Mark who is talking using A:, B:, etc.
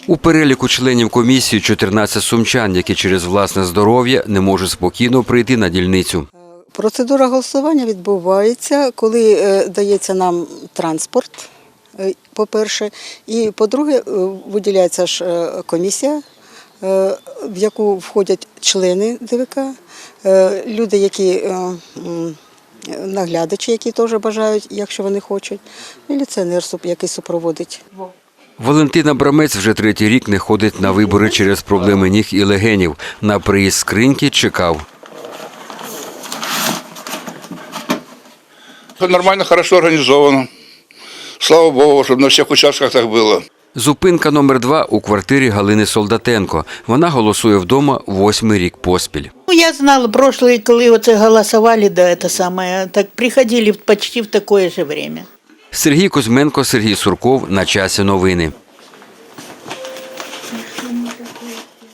A: У переліку членів комісії 14 сумчан, які через власне здоров'я не можуть спокійно прийти на дільницю.
B: Процедура голосування відбувається, коли дається нам транспорт, по-перше, і, по-друге, виділяється ж комісія, в яку входять члени ДВК, люди, які наглядачі, які теж бажають, якщо вони хочуть, міліціонер, який супроводить.
A: Валентина Брамець вже третій рік не ходить на вибори через проблеми ніг і легенів. На приїзд скриньки чекав.
C: Нормально, хорошо организовано. Слава Богу, щоб на всіх участках так було.
A: Зупинка номер 2 у квартирі Галини Солдатенко. Вона голосує вдома 8-й рік поспіль.
D: Я знала, прошлые, коли оце голосували, да, це саме, так приходили почти в таке ж время.
A: Сергій Кузьменко, Сергій Сурков. На часі новини.